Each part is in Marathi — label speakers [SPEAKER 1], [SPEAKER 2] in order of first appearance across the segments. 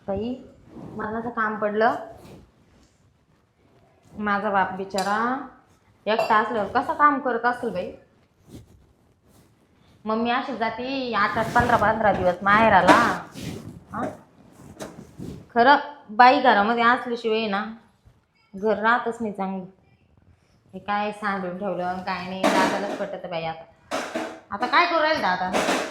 [SPEAKER 1] बाई मरणाचं काम पडलं. माझा बाप बिचारा एकटा असल्यावर कसं काम करत असेल बाई. मम्मी अशीच जाते 8-8 15-15 दिवस माहेराला. हां खरं बाई घरामध्ये असल्याशिवाय ना घर राहतच नाही चांगलं. हे काय सांडून ठेवलं काय नाही दादालाच पटत बाई. आता काय करू राहील दादा.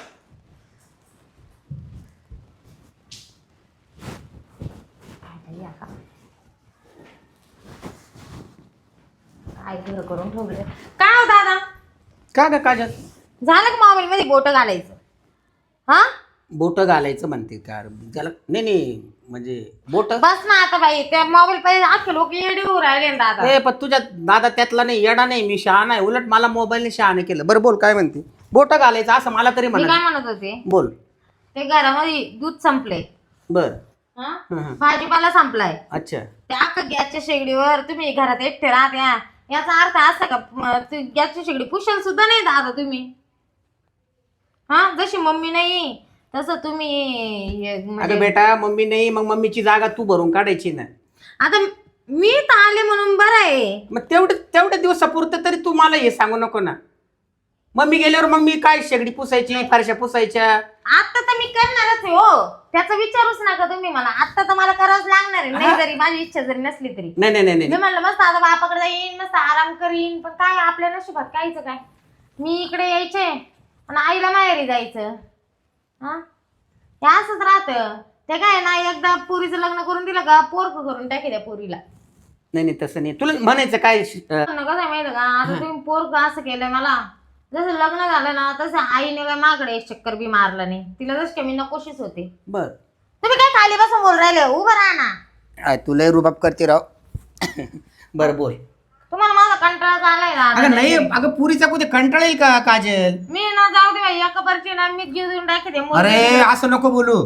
[SPEAKER 1] काय घर करून ठेवलं काय हो दादा.
[SPEAKER 2] का ग काजल?
[SPEAKER 1] झालं का मोबाईल मध्ये बोट घालायचं? हा
[SPEAKER 2] बोट घालायचं म्हणते का? त्याला नाही म्हणजे बोट.
[SPEAKER 1] बस ना आता बाई त्या मोबाईल पाहिजे अख्खे लोक येडी होऊ राहिले ना दादा.
[SPEAKER 2] ए पण तुझ्या दादा त्यातला नाही, येडा नाही, मी शहा नाही. उलट मला मोबाईलने शहाणे केलं. बरं बोल काय म्हणते? बोट घालायचं असं मला तरी
[SPEAKER 1] मी काय
[SPEAKER 2] म्हणा.
[SPEAKER 1] म्हणत होते
[SPEAKER 2] बोल.
[SPEAKER 1] ते घरामध्ये दूध संपले.
[SPEAKER 2] बर.
[SPEAKER 1] भाजीपाला संपलाय.
[SPEAKER 2] अच्छा.
[SPEAKER 1] त्या अख्खा गॅसच्या शेगडीवर तुम्ही घरात एकटे राहत्या याचा अर्थ असा का गॅसची शेगडी पुशाल सुद्धा नाही दादा तुम्ही. हा जशी मम्मी नाही तसं तुम्ही
[SPEAKER 2] अगं बेटा मम्मी नाही, मग मम्मीची जागा तू भरून काढायची ना.
[SPEAKER 1] आता मी तर आले म्हणून बरं आहे.
[SPEAKER 2] मग तेवढ्या दिवसापुरतं तरी तू मला हे सांगू नको ना. मम्मी गेल्यावर मग मी काय शेगडी पुसायची, फारशा पुसायच्या.
[SPEAKER 1] आता तर मी करणारच आहे हो. त्याचा विचारूच नका तुम्ही मला. आता तर मला करावंच लागणार आहे. नाही जरी माझी इच्छा जरी नसली तरी.
[SPEAKER 2] नाही
[SPEAKER 1] मी म्हणलं मस्त आता बापाकडे जाईन मस्त आराम करीन. पण काय आपल्या नशिबात कायचं काय. मी इकडे यायचे आणि आईला माहेरी जायचं. हा हे असंच राहतं. ते काय ना एकदा पोरीचं लग्न करून दिलं का पोरक करून टाकी त्या पोरीला.
[SPEAKER 2] नाही तसं नाही. तुला म्हणायचं काय?
[SPEAKER 1] कसं आहे माहिती का आता तुम्ही पोरक असं केलंय मला. जसं लग्न झालं ना तसं आईने काय माकडे एक चक्कर बी मारलं नाही. तिला जसं मी नकोशीच होते.
[SPEAKER 2] बर.
[SPEAKER 1] तुम्ही काय खाली बसून बोल राहिले उभं राहा ना.
[SPEAKER 2] तुला रुबाब करते राव. बरं बोल.
[SPEAKER 1] तुम्हाला माझा कंटाळा आलाय ना.
[SPEAKER 2] अगं नाही अगं पुरीचा कुठे कंटाळेल का काजल?
[SPEAKER 1] मी ना जाऊ दे बाई एका परची ना मी घेऊन टाकते.
[SPEAKER 2] अरे असं नको बोलू.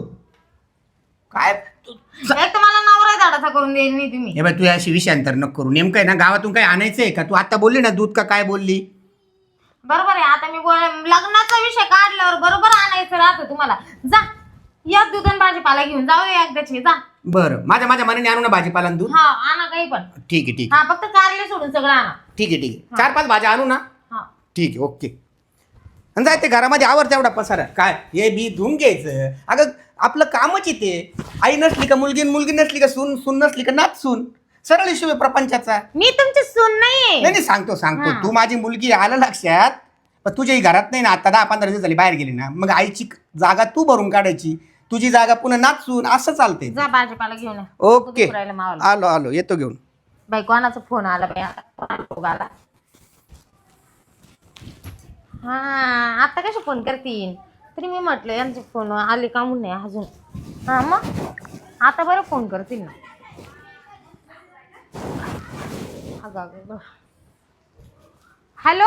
[SPEAKER 2] काय
[SPEAKER 1] एक तर मला नवरा धाडाचा करून देईल नाही तुम्ही.
[SPEAKER 2] हे बाय तू अशी विषयांतर नको करू. नेमकं आहे ना गावातून काय आणायचंय का? तू आता बोलली ना दूध का काय बोलली?
[SPEAKER 1] बरोबर आहे. आता मी लग्नाचा विषय काढल्यावर बरोबर आणायचं राहतं तुम्हाला. जा या दूध आणि भाजीपाला घेऊन जाऊ दे एकदाची. जा
[SPEAKER 2] बरं माझ्या मनाने आणू ना भाजीपाला आणि दूध.
[SPEAKER 1] हा आणा काही पण.
[SPEAKER 2] ठीक आहे
[SPEAKER 1] हा फक्त कारले सोडून सगळं आणा.
[SPEAKER 2] ठीक आहे 4-5 भाज्या आणू ना.
[SPEAKER 1] हा
[SPEAKER 2] ठीक आहे ओके. आणि जाय ते घरामध्ये आवर तेवढा पसारा काय हे बी धुवून घ्यायचं. अगं आपलं कामच येते. आई नसली का मुलगी नसली का सून नसली का नाच सून. सरळ हिशोब आहे प्रपंचाचा.
[SPEAKER 1] मी तुमची सून नाहीये.
[SPEAKER 2] नाही सांगतो तू माझी मुलगी आलं लक्षात. पण तुझ्याही घरात नाही ना आता 10-15 दिवस झाली बाहेर गेली ना. मग आईची जागा तू भरून काढायची. तुझी जागा पुन्हा नाचून असं चालते.
[SPEAKER 1] जा भाजीपाला घेऊन.
[SPEAKER 2] ओके आलो येतो घेऊन.
[SPEAKER 1] बाई कोणाचा फोन आला बाई आता. हा आता कशा फोन करतील तरी मी म्हटलं यांचे फोन आले का म्हणून नाही अजून. हा मग आता बरं फोन करतील ना. हॅलो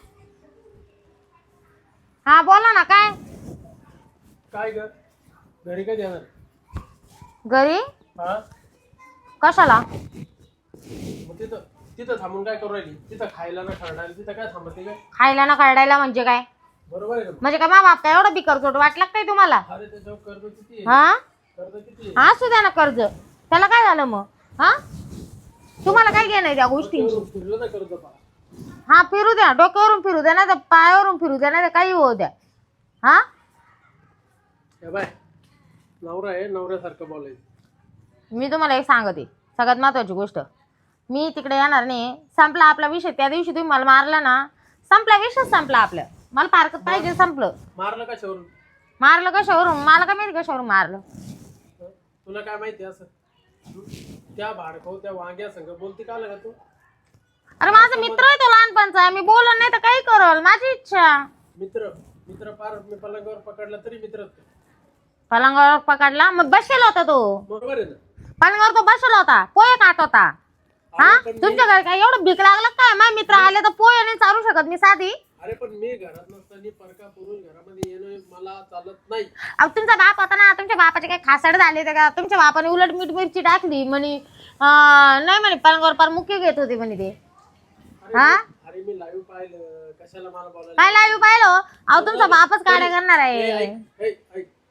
[SPEAKER 1] हा बोला ना. काय
[SPEAKER 3] ग घरी काय देणार?
[SPEAKER 1] घरी
[SPEAKER 3] हा
[SPEAKER 1] कशाला?
[SPEAKER 3] मग तिथं थांबून काय करू राहिली? तिथं खायला ना खरडायला तिथं काय थांबते काय?
[SPEAKER 1] खायला ना काढायला म्हणजे काय?
[SPEAKER 3] बरोबर आहे ना?
[SPEAKER 1] म्हणजे काय मा बाप काय एवढं बिकरचोट वाटलं काय तुम्हाला?
[SPEAKER 3] अरे त्याच्यावर कर्ज किती आहे?
[SPEAKER 1] हा
[SPEAKER 3] कर्ज किती
[SPEAKER 1] असू द्या ना कर्ज. त्याला काय झालं मग? हा तुम्हाला काय घेणं त्या गोष्टींची?
[SPEAKER 3] फिरलं ना कर्ज पा.
[SPEAKER 1] हा फिरू द्या. डोक्यावरून फिरू द्या ना तर पायावरून फिरू द्या ना तर काही होऊ द्या. हा
[SPEAKER 3] बाय नवरा आहे नवऱ्यासारखं बोलायचं.
[SPEAKER 1] मी तुम्हाला एक सांगते सगळ्यात महत्वाची गोष्ट. मी तिकडे येणार नाही. संपला आपला विषय. त्या दिवशी तुम्ही मला मारला ना संपला विषय संपला आपलं. मला पारकत पाहिजे संपलं.
[SPEAKER 3] मारलं कशावरून?
[SPEAKER 1] मारलं कशावरून? मला काय माहिती कशावरून मारलं.
[SPEAKER 3] तुला काय माहिती असं? त्या भाडखो त्या वांग्या संग बोलती का का तू?
[SPEAKER 1] अरे माझा मित्र आहे तो लहानपणचा. मी बोलत नाही तर काही करल माझी इच्छा.
[SPEAKER 3] मित्र पार मी पलंगावर पकडला तरी मित्र.
[SPEAKER 1] पलंगावर पकडला मग बसेल होता तो.
[SPEAKER 3] बरोबर आहे ना?
[SPEAKER 1] पलंगावर तो बसेल होता. पोहे खात होता. हा तुमच्या घरी काय एवढं भीक लागलं काय? माझे मित्र आले तर पोहे नाही चालू शकत मी साधी.
[SPEAKER 3] अरे पण मी घरात नसताना परका पुरुष घरामध्ये येणं मला चालत नाही.
[SPEAKER 1] अहो तुमचा बाप होता ना. तुमच्या बापाचे काही खासाड झाले ते का? तुमच्या बापाने उलट मीठ मिरची टाकली म्हणे. नाही म्हणे पलंगावर पार मुक्की घेत होते म्हणे ते. हा
[SPEAKER 3] अरे मी लाईव्ह पाहिलं. कशाला मला बोलायला?
[SPEAKER 1] काय लाईव्ह पाहिलं? अहो तुमचा बापच काढ्या करणार आहे.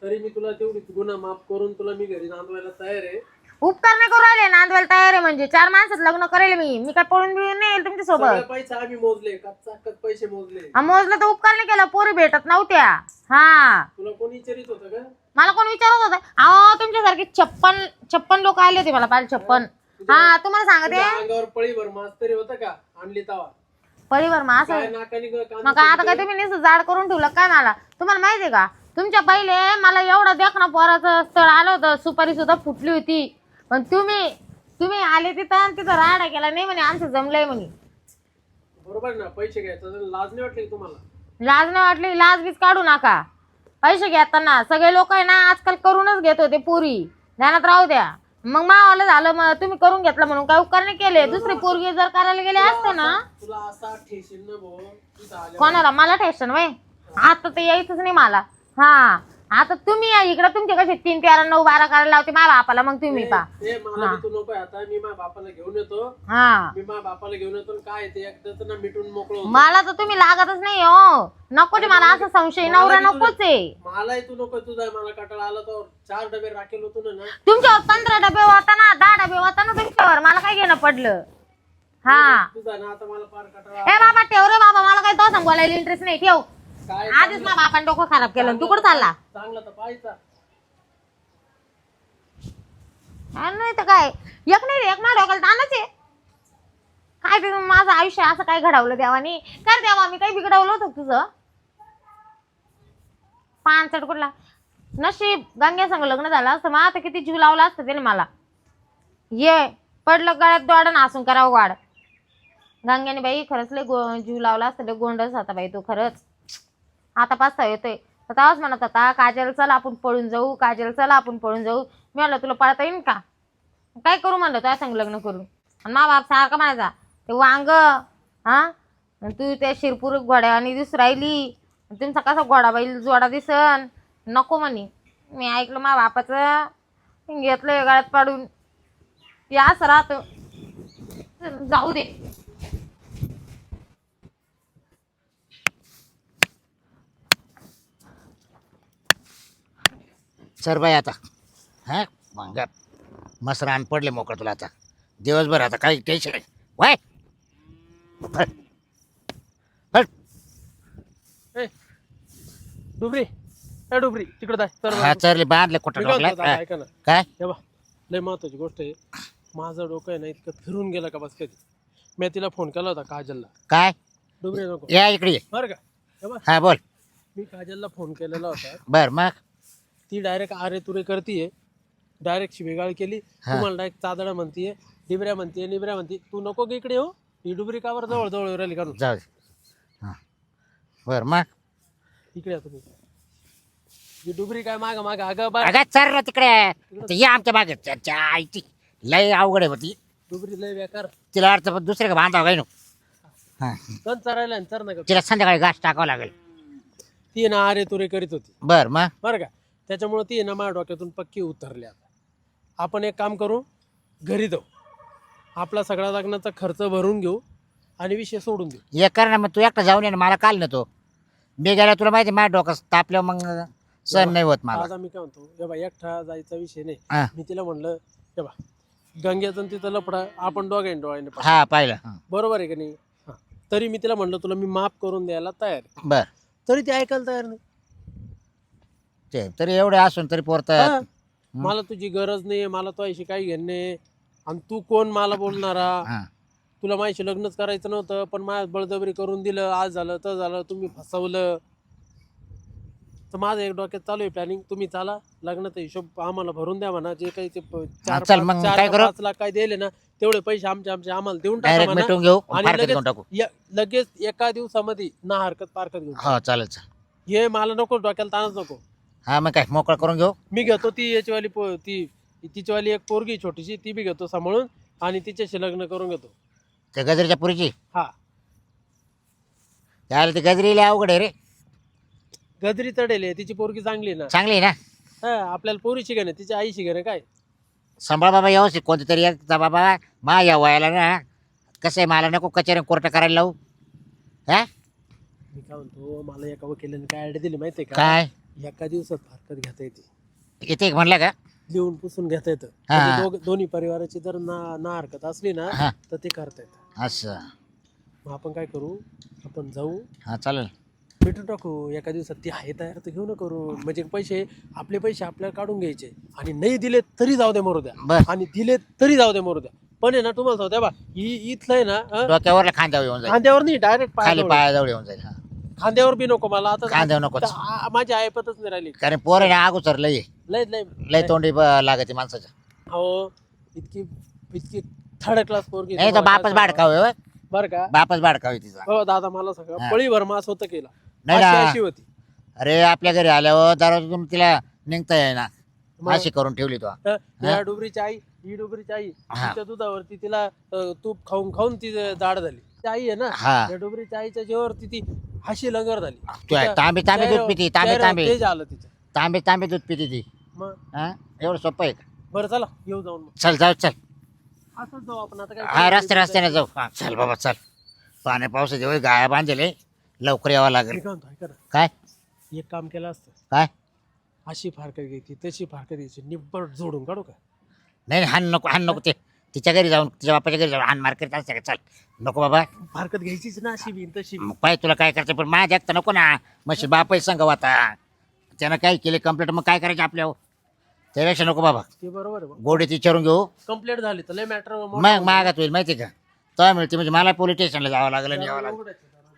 [SPEAKER 3] तरी मी तुला तेवढी गुन्हा माफ करून तुला मी घरी नांदवायला तयार आहे.
[SPEAKER 1] उपकार नाही करू राहिले, नांदवायला तयार आहे म्हणजे 4 माणसात लग्न करेल मी काय पळून बिळून नाही येईल तुमच्या
[SPEAKER 3] सगळे
[SPEAKER 1] सोबत.
[SPEAKER 3] पैसे आम्ही मोजले, कच्चा पैसे मोजले.
[SPEAKER 1] मोजलं तर उपकार नाही केला, पोरी भेटत नव्हत्या. हा
[SPEAKER 3] तुला कोणी विचारित होतं का?
[SPEAKER 1] मला कोण विचारत होतं? अहो तुमच्यासारखे 56 लोक आले होते मला पाहिजे 56. हा तुम्हाला सांगते
[SPEAKER 3] तुझ्या अंगावर पळीभर मास तरी होतं का आणली तवा?
[SPEAKER 1] परिवार मग
[SPEAKER 3] काय
[SPEAKER 1] असं
[SPEAKER 3] नाकानी
[SPEAKER 1] मग आता काय तुम्ही नुसतं जाड करून ठेवलं काय मला? तुम्हाला माहितीये का तुमच्या पहिले मला एवढं देखणं पोराचं स्थळ आलं होतं, सुपारी सुद्धा फुटली होती, पण तुम्ही आले तिथं आणि तिथं राडा केला नाही म्हणे आमचं जमलंय म्हणे.
[SPEAKER 3] बरोबर ना, पैसे घ्यायचं तर लाज नाही वाटली तुम्हाला?
[SPEAKER 1] लाज नाही वाटली? लाज बीज काढू नका. पैसे घेताना सगळे लोक आहे ना आजकाल करूनच घेत होते पोरी, ध्यानात राहू द्या. मग मावाला झालं, मग तुम्ही करून घेतलं म्हणून काय उपकार नाही केले? दुसरी पोरगी जर करायला गेले असते ना.
[SPEAKER 3] तुला असा ठेशील ना भाऊ तिथं आल्या.
[SPEAKER 1] कोणाला? मला टेन्शन वय आता तर यायचंच नाही मला. हा आता तुम्ही या इकडे, तुमचे कसे 3, 13, 9, 12 करायला लावते माझ्या बापाला, मग तुम्ही पा.
[SPEAKER 3] ए मला बी तू नको आता, मी माझ्या बापाला घेऊन येतो.
[SPEAKER 1] हा
[SPEAKER 3] मी माझ्या बापाला घेऊन येतो आणि काय ते एकदाच ना मिटून मोकळं होतं.
[SPEAKER 1] मला तर तुम्ही लागतच नाही हो. नको ते मला असं संशय, नवरा नकोच आहे.
[SPEAKER 3] मलाही तू नको, तुझा मला कटाळा आला तर 4 डबे राखेल होतो ना.
[SPEAKER 1] तुमच्यावर 15 डबे होता ना, 10 डबे होता ना तुमच्यावर, मला काय घेणं पडलं? हा
[SPEAKER 3] तुझा ना आता मला फार कटाळा.
[SPEAKER 1] हे बाबा ठेव रे बाबा, मला काही तो सांगवायला इंटरेस्ट नाही. ठेव.
[SPEAKER 3] काय
[SPEAKER 1] आधीच ना बापाने डोकं खराब केलं, तू कुठं चालला?
[SPEAKER 3] चांगला तर पाहायचा.
[SPEAKER 1] नाही तर काय, एक नाही एक माझ्या डोक्याला ताणच आहे. काय ते माझं आयुष्य असं काय घडवलं देवानी? काय देवा मी काही बिघडवलं होतं तुझं? पानचट कुठला नशीब गंग्या संग लग्न झालं असतं, मग आता किती जीव लावला असतं त्याने मला. ये पडलं गळ्यात दोडन हसून करावं वाढ. गंग्याने बाई खरंच लय जीव लावला असतं, लय गोंडस होता बाई तो खरंच. आता पाचता येतोय तर तेव्हाच म्हणत होता काजल चल आपण पळून जाऊ, काजल चल आपण पळून जाऊ. मी म्हणलं तुला पळता येईन का? काय करू म्हणलं तुझ्या संग लग्न करून. आणि मा बाप सारखा म्हणायचा ते वांग हा तू त्या शिरपूर घोड्यावानी दिसून राहिली, तुमचा कसा घोडा बैल जोडा दिसन. नको म्हणे. मी ऐकलं मा बापाचं, घेतलं गळ्यात पाडून. या असं राहतं. जाऊ दे.
[SPEAKER 4] सर बाई आता हां मग मस्त रान पडले मोकळं तुला आता दिवसभर, आता काही टेन्शन नाही. वाय
[SPEAKER 3] ए डुबरी, ए डुबरी तिकडे जाय. तर
[SPEAKER 4] हा चरले बांधले कुठं
[SPEAKER 3] मी काय
[SPEAKER 4] डोकला
[SPEAKER 3] म्हणतो, ऐका ना.
[SPEAKER 4] काय
[SPEAKER 3] हे बा लय महत्वाची गोष्ट आहे. माझं डोकं आहे ना इतकं फिरून गेलं का बस कधी. मी तिला फोन केला होता काजलला.
[SPEAKER 4] काय
[SPEAKER 3] डुबरी नको
[SPEAKER 4] या इकडे ये.
[SPEAKER 3] बरं का. हे बा
[SPEAKER 4] हा बोल.
[SPEAKER 3] मी काजलला फोन केलेला होता.
[SPEAKER 4] बर मग
[SPEAKER 3] ती डायरेक्ट आरे तुरे करतीये, डायरेक्ट शिवेगाळ केली. तुम्हाला डायरेक्ट चादडा म्हणतीये, डिबऱ्या म्हणतीये, निबऱ्या म्हणते. तू नको की इकडे हो, ही डुबरी कावर जवळ जवळ राहिली काढून.
[SPEAKER 4] जाऊ दे. हां बर मग
[SPEAKER 3] इकडे या तुम्ही. ही डुबरी काय माग माग अगं बा
[SPEAKER 4] अगं चर ना तिकडे. ते ये आमच्या मागे त्याच्या आईची लय अवघड आहे होती.
[SPEAKER 3] डुबरी लय बेकार.
[SPEAKER 4] तिला अर्थ दुसरे का बांधावं काय नो. हां
[SPEAKER 3] चल चरायला आणि चर नका.
[SPEAKER 4] तिला संध्याकाळी घास टाकावं लागेल.
[SPEAKER 3] ती ना आरे तुरे करीत होती
[SPEAKER 4] बर मग
[SPEAKER 3] बरं का. त्याच्यामुळे ती ना माझ्या डोक्यातून पक्की उतरली. आता आपण एक काम करू, घरी जाऊ, आपला सगळा लग्नाचा खर्च भरून घेऊ आणि विषय सोडून देऊ.
[SPEAKER 4] ये कर ना, मग तू एकटा जाऊन ये ना, मला काल ना तो मी गेला तुला माहिती माझ्या डोकं तापल्यावर मग सण नाही होत मला.
[SPEAKER 3] आता मी काय म्हणतो, हे बा एकटा जायचा विषय नाही.
[SPEAKER 4] हा.
[SPEAKER 3] मी तिला म्हणलं हे बा गंग्याचं तिथं लपडा आपण दोघांनी डोळ्याने पाहू.
[SPEAKER 4] हा पाहिलं. हां
[SPEAKER 3] बरोबर आहे का नाही? हा. तरी मी तिला म्हणलं तुला मी माफ करून द्यायला तयार आहे.
[SPEAKER 4] बर
[SPEAKER 3] तरी ती ऐकायला तयार नाही.
[SPEAKER 4] ते तरी एवढे असून तरी पोरतात.
[SPEAKER 3] हा. मला तुझी गरज नाही, मला तो अशी काही घेणं नाही. आणि तू कोण मला बोलणारा?
[SPEAKER 4] हां
[SPEAKER 3] तुला माझ्याशी लग्नच करायचं नव्हतं, पण माझ्या बळजबरी करून दिलं. आज झालं तर झालं, तुम्ही फसवलं. तर माझं एक डोक्यात चालू आहे प्लॅनिंग. तुम्ही चाला, लग्नाचा हिशोब आम्हाला भरून द्या म्हणा. जे काही ते
[SPEAKER 4] चल मग काय करू?
[SPEAKER 3] 5 लाख काय दिले ना तेवढे पैसे आमचे आम्हाला देऊन टाका
[SPEAKER 4] डायरेक्ट
[SPEAKER 3] म्हणा.
[SPEAKER 4] मिटून घेऊ
[SPEAKER 3] आणि
[SPEAKER 4] फारकत घेऊन टाकू.
[SPEAKER 3] लगेच एका दिवसामध्ये ना हरकत पारकत घेऊ.
[SPEAKER 4] हो चालेल चालेल.
[SPEAKER 3] हे मला नको, डोक्याला ताणच नको.
[SPEAKER 4] हा मग काय मोकळं करून घेऊ.
[SPEAKER 3] मी घेतो ती याचीवाली तिचीवाली एक पोरगी छोटीशी, ती बी घेतो सांभाळून आणि तिच्याशी लग्न करून घेतो.
[SPEAKER 4] त्या गजरीच्या पुरीची
[SPEAKER 3] हा
[SPEAKER 4] त्याला ती गजरीला अवघड आहे रे.
[SPEAKER 3] गजरी चढेल आहे, तिची पोरगी चांगली आहे ना.
[SPEAKER 4] चांगली आहे ना.
[SPEAKER 3] हा आपल्याला पोरीशी घेणं, तिच्या आईशी घेणं काय.
[SPEAKER 4] सांभाळ बाबा व्यवस्थित कोणतं तरी एकचा बाबा मा या वयाला ना कसं आहे, मला नको कचेरी कोर्ट करायला लावू. हा
[SPEAKER 3] मी काय म्हणतो, मला एका वकिलाने काय आयडिया दिली माहितीये का?
[SPEAKER 4] काय
[SPEAKER 3] एका दिवसात फारकत घेता येते,
[SPEAKER 4] येते म्हणलं का?
[SPEAKER 3] लिहून पुसून घेता येतं.
[SPEAKER 4] हा.
[SPEAKER 3] म्हणजे दोन्ही परिवाराची जर ना हरकत असली ना
[SPEAKER 4] हा.
[SPEAKER 3] तर ते करता येतं.
[SPEAKER 4] असं.
[SPEAKER 3] मग आपण काय करू, आपण जाऊ
[SPEAKER 4] हा चालेल.
[SPEAKER 3] भेटून टाकू एका दिवसात. ती आहे तयार तर घेऊ न करू. म्हणजे पैसे आपल्याला काढून घ्यायचे आणि नाही दिले तरी जाऊ दे मरू द्या,
[SPEAKER 4] बस.
[SPEAKER 3] आणि दिले तरी जाऊ दे मरू द्या. पण आहे ना तुम्हाला सांगते बा, इथलं आहे ना
[SPEAKER 4] डोक्यावर खांद्यावर येऊन जाईल,
[SPEAKER 3] खांद्यावर नाही, डायरेक्ट
[SPEAKER 4] खाली पायाजवळ येऊन जाईल. हा.
[SPEAKER 3] खांद्यावर बी नको मला आता.
[SPEAKER 4] खांद्यावर नकोच.
[SPEAKER 3] माझी ऐपतच नाही राहिली.
[SPEAKER 4] कारण पोर आहे अगोदर लय
[SPEAKER 3] लय लय
[SPEAKER 4] लय तोंडी लागते माणसाच्या.
[SPEAKER 3] हो, इतकी थर्ड क्लास पोरगी
[SPEAKER 4] नाही तर बापच बाडकाव आहे.
[SPEAKER 3] बर का.
[SPEAKER 4] बापच बाडकाव आहे तिचा.
[SPEAKER 3] हो दादा, मला सगळं
[SPEAKER 4] हा.
[SPEAKER 3] पळीभर मास होतं केला.
[SPEAKER 4] नाही
[SPEAKER 3] अशी
[SPEAKER 4] ना.
[SPEAKER 3] अशी होती.
[SPEAKER 4] अरे आपल्या घरी आल्यावर दरवाजातून तिला निघता येईना,
[SPEAKER 3] मग?
[SPEAKER 4] अशी करून ठेवली तो.
[SPEAKER 3] या डुबरीची आई, ही डुबरीची आई,
[SPEAKER 4] हा.
[SPEAKER 3] तिच्या दुधावरती तिला तूप खाऊन खाऊन ती जाड झाली. ती आई आहे ना,
[SPEAKER 4] हा.
[SPEAKER 3] त्या डुबरीच्या आईच्या जेवावरती ती हशी लंगर झाली.
[SPEAKER 4] तू आहे, तांबे तांबे दूध पिती, तांबे तांबे
[SPEAKER 3] ते झालं तिचं.
[SPEAKER 4] तांबे तांबे दूध पिती ती.
[SPEAKER 3] मग
[SPEAKER 4] हा एवढं सोपं आहे का?
[SPEAKER 3] बरं चला येऊ जाऊन मग.
[SPEAKER 4] चल जाऊ चल.
[SPEAKER 3] असंच जाऊ आपण आता.
[SPEAKER 4] हा
[SPEAKER 3] काय
[SPEAKER 4] रस्त्याने जाऊ. हा चल बाबा चल. पाण्या पावसाच्या वेळी गाया बांधले, लवकर यावं लागेल.
[SPEAKER 3] मी काय म्हणतो, ऐका ना,
[SPEAKER 4] काय
[SPEAKER 3] एक काम केलं असतं.
[SPEAKER 4] काय?
[SPEAKER 3] अशी फारकत घ्यायची, तशी फारकत घ्यायची, निब्बट जोडून काढू का?
[SPEAKER 4] नाही हान नको ते. तिच्या घरी जाऊन, तिच्या बापाच्या घरी जाऊन हान मार करीत असते का? चल नको बाबा.
[SPEAKER 3] फारकत घ्यायचीच ना, अशी बी तशी बी.
[SPEAKER 4] मग पाय तुला काय करायचं, पण माझ्या तर नको ना. मग बापाही सांगाव आता. त्यानं काय केले कंप्लेंट, मग काय करायचं आपल्यावर? त्यापेक्षा नको बाबा.
[SPEAKER 3] ते बरोबर आहे.
[SPEAKER 4] गोडीत विचारून घेऊ.
[SPEAKER 3] कंप्लेंट झाली तर लय मॅटर.
[SPEAKER 4] मग मागात होईल माहिती का? तो मिळते म्हणजे मला पोलीस स्टेशनला जावं लागलं आणि यावं लागलं.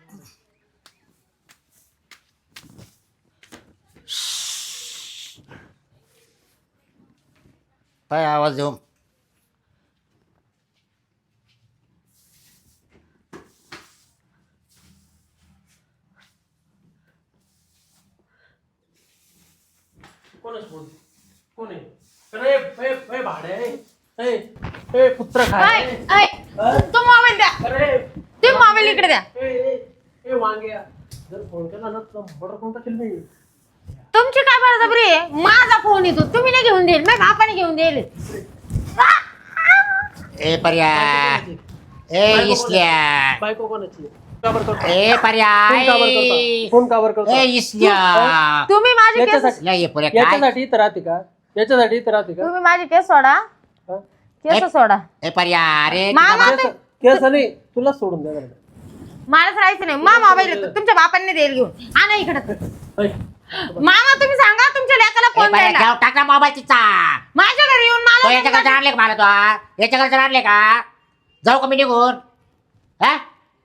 [SPEAKER 4] काय आवाज देऊ?
[SPEAKER 3] कोणच बोलते? कोण आहे? अरे भाडे पुत्र खाय.
[SPEAKER 1] तो मोबाईल द्या,
[SPEAKER 3] अरे
[SPEAKER 1] ते मोबाईल इकडे द्या.
[SPEAKER 3] वांग्या, जर फोन केला ना तर बडर कोणता केलं नाही.
[SPEAKER 1] तुमची काय बळजबरी आहे? माझा फोन येतो, तुम्ही नाही घेऊन देईल, माझ्या बापाने घेऊन देईल.
[SPEAKER 4] ए पर्या, ए इसल्या,
[SPEAKER 3] बायको कोणाची? काबर करतो?
[SPEAKER 4] ए पर्या,
[SPEAKER 3] फोन काबर करतो?
[SPEAKER 4] ए इसल्या.
[SPEAKER 1] तुम्ही माझी केस
[SPEAKER 3] याच्यासाठी
[SPEAKER 4] नाही ये पर्या काय?
[SPEAKER 3] याच्यासाठी इथं राहते का? याच्यासाठी इथं राहते का?
[SPEAKER 1] तुम्ही माझी केस सोडा,
[SPEAKER 3] हा?
[SPEAKER 1] केस सोडा.
[SPEAKER 4] ए पर्या अरे
[SPEAKER 1] मामा
[SPEAKER 3] केस नाही, तुला सोडून द्या बरं.
[SPEAKER 1] मलाच राहायचं नाही. मा मोबाईल येतो, तुमच्या बापांनी देईल घेऊन. आणा इकडं.
[SPEAKER 3] ऐ,
[SPEAKER 1] मामा तुम्ही सांगा तुमच्या लेकाला
[SPEAKER 4] ए
[SPEAKER 1] फोन
[SPEAKER 4] पर्या
[SPEAKER 1] द्यायला.
[SPEAKER 4] जाऊ टाका मोबाईल तिचा.
[SPEAKER 1] माझ्या घरी येऊन
[SPEAKER 4] तो
[SPEAKER 1] मला
[SPEAKER 4] याच्याकडे आणले का मला? तो याच्याकडे आणले का? जाऊ का मी निघून? हा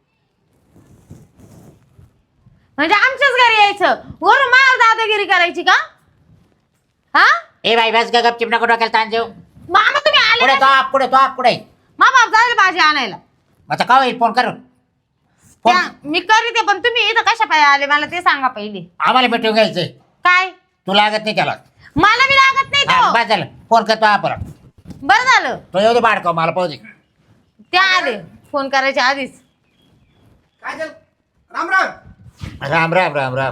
[SPEAKER 1] म्हणजे आमच्याच घरी यायचं, वरून मार दादागिरी करायची का? हा
[SPEAKER 4] ए बाई बस ग गपचिप नको डोक्याला ताण देऊ.
[SPEAKER 1] मामा तुम्ही आले
[SPEAKER 4] पुढे
[SPEAKER 1] ना?
[SPEAKER 4] तो पुढे तो पुढे.
[SPEAKER 1] मा बाप जाईल भाजी आणायला.
[SPEAKER 4] आता का होईल फोन करून? फोन
[SPEAKER 1] मी करीते, पण तुम्ही इथं कशा पाय आले मला ते सांगा पहिले.
[SPEAKER 4] आम्हाला भेटून घ्यायचंय.
[SPEAKER 1] काय?
[SPEAKER 4] तू लागत नाही त्याला.
[SPEAKER 1] मला बी लागत नाही
[SPEAKER 4] हा,
[SPEAKER 1] तो.
[SPEAKER 4] बस झालं. फोन करतो आपण.
[SPEAKER 1] बरं झालं
[SPEAKER 4] तो येऊ दे बाडकाव मला पाहू दे.
[SPEAKER 1] ते आले फोन करायच्या आधीच.
[SPEAKER 2] काय झालं? राम राम.
[SPEAKER 4] राम राम राम राम.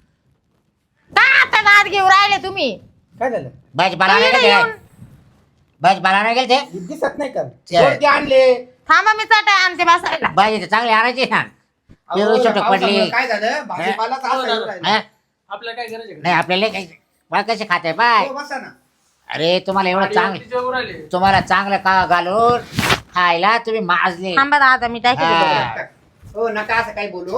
[SPEAKER 1] काय आता दात घेऊन राहिले तुम्ही?
[SPEAKER 2] काय झालं?
[SPEAKER 4] भाजीपाला नाही
[SPEAKER 1] इकडे
[SPEAKER 4] गेले
[SPEAKER 1] येऊन.
[SPEAKER 4] भाजीपाला नाही गेले ते.
[SPEAKER 2] हे दिसत नाही का?
[SPEAKER 4] ते-
[SPEAKER 2] वरती आणले.
[SPEAKER 1] थांबा मी चटाई आणते बसायला.
[SPEAKER 4] भाजी तर चांगली आणायची ना.
[SPEAKER 2] अहो,
[SPEAKER 4] पिवळी छोटक
[SPEAKER 2] पावसामुळे
[SPEAKER 4] पडली.
[SPEAKER 2] काय झालं? भाजीपालाच असा येऊन राहिला.
[SPEAKER 4] हा?
[SPEAKER 3] आपल्याला काय करायचं?
[SPEAKER 4] नाही आपल्याला काही मला कसे खाते बाय.
[SPEAKER 2] हो, बसा ना.
[SPEAKER 4] अरे तुम्हाला एवढं चांगलं,
[SPEAKER 3] तिच्यावर आले.
[SPEAKER 4] तुम्हाला चांगलं का घालून खायला तुम्ही माजले.
[SPEAKER 1] थांबा दादा मी टाकी
[SPEAKER 4] हा.
[SPEAKER 1] देते.
[SPEAKER 2] हो नका असं काही बोलू.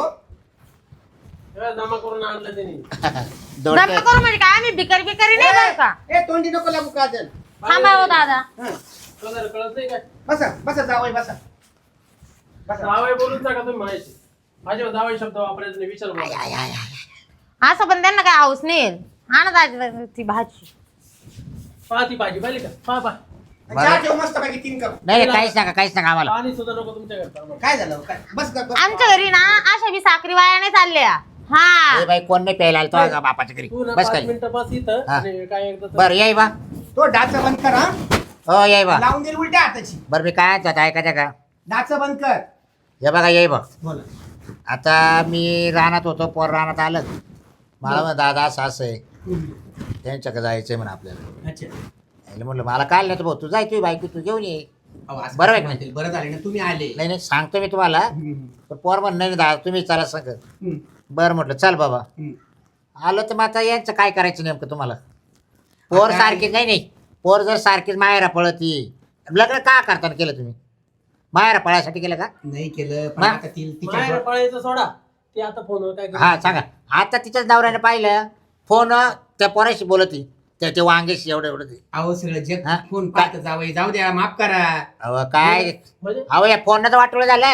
[SPEAKER 3] जमा करून आणलं त्यांनी.
[SPEAKER 4] दोन
[SPEAKER 1] दम करू म्हणजे काय आम्ही भिकारी बिकारी नाही बरं का?
[SPEAKER 2] ए तोंडी नको लागू काजल.
[SPEAKER 1] थांबा हो दादा.
[SPEAKER 2] हं.
[SPEAKER 3] कळत नाही काय?
[SPEAKER 2] बसा बसा जावई बसा. बसा.
[SPEAKER 3] जावई बोलून नका तुम्ही म्हणायचे. माझ्यावर जावई शब्द वापरायचा नाही, विचार बोला.
[SPEAKER 4] आय, आय, आय.
[SPEAKER 1] असं पण त्यांना काय हाऊस नाही. आणा दादा ती भाजी.
[SPEAKER 3] पहा ती भाजी पाहिली का? पहा.
[SPEAKER 2] चहा ठेव मस्त पैकी 3 कप.
[SPEAKER 4] नाही काहीच नका आम्हाला.
[SPEAKER 3] पाणी सुद्धा नको तुमच्या घरचा.
[SPEAKER 2] काय झालं? काय? बस बस.
[SPEAKER 1] आमच्या घरी ना अशा बी साखरी वायाने चालल्या. हा
[SPEAKER 4] ए बाई कोण नाही प्यायला आलं तो बापाच्या घरी.
[SPEAKER 3] तू ना
[SPEAKER 4] बस
[SPEAKER 3] 5
[SPEAKER 4] काय
[SPEAKER 3] मिनिटं बस इथं
[SPEAKER 4] हा.
[SPEAKER 3] आणि काय एकदा
[SPEAKER 4] बरं याय बा.
[SPEAKER 2] तो डाचा बंद कर हा.
[SPEAKER 4] हो याय बा.
[SPEAKER 2] लावून देईल उलट्या हाताची.
[SPEAKER 4] बरं मी काय जात ऐकायचं का?
[SPEAKER 2] डाचा बंद कर.
[SPEAKER 4] हे बघा याय बा.
[SPEAKER 2] बोला.
[SPEAKER 4] आता मी रानात होतो, पोर रानात आलं. मला म्हण दादा असं आहे त्यांच्याकडे जायचंय म्हणून आपल्याला.
[SPEAKER 2] अच्छा.
[SPEAKER 4] यायला म्हटलं मला काय नाही भाऊ तू जाय तुझी बायको तू घेऊन ये.
[SPEAKER 2] अहो, असं
[SPEAKER 4] बरं आहे
[SPEAKER 2] कसं
[SPEAKER 4] का?
[SPEAKER 2] म्हणतील? बरं झाले ना तुम्ही आले.
[SPEAKER 4] नाही सांगतो मी तुम्हाला.
[SPEAKER 2] हम्म.
[SPEAKER 4] पण पोर म्हण नाही दादा तुम्ही चला सांग.
[SPEAKER 2] हम्म.
[SPEAKER 4] बरं म्हटलं चल बाबा.
[SPEAKER 2] हम्म.
[SPEAKER 4] आलं तर मग आता यांचं काय करायचं नेमकं तुम्हाला? पोर
[SPEAKER 2] आता-
[SPEAKER 4] सारखी नाही पोर जर सारखीच माहेरा पळती लग्न का करताना केलं तुम्ही? माहेरा पळायसाठी केलं का?
[SPEAKER 2] नाही केलं पण
[SPEAKER 4] मग?
[SPEAKER 2] आता तिच्या
[SPEAKER 3] माहेर पळायचं सोडा, ते आता फोनवर काय
[SPEAKER 4] हा
[SPEAKER 3] करते?
[SPEAKER 4] सांगा. आता तिच्याच नवऱ्याने पाहिलं फोन त्या पोराशी बोलती त्या वांगेशी एवढं एवढं ते.
[SPEAKER 2] अहो सगळं जग
[SPEAKER 4] हा?
[SPEAKER 2] फोन पाहत जावई, जाऊ द्या, माफ करा.
[SPEAKER 4] अहो काय
[SPEAKER 3] म्हणजे
[SPEAKER 4] अहो या फोन तर वाटवलं झालंय.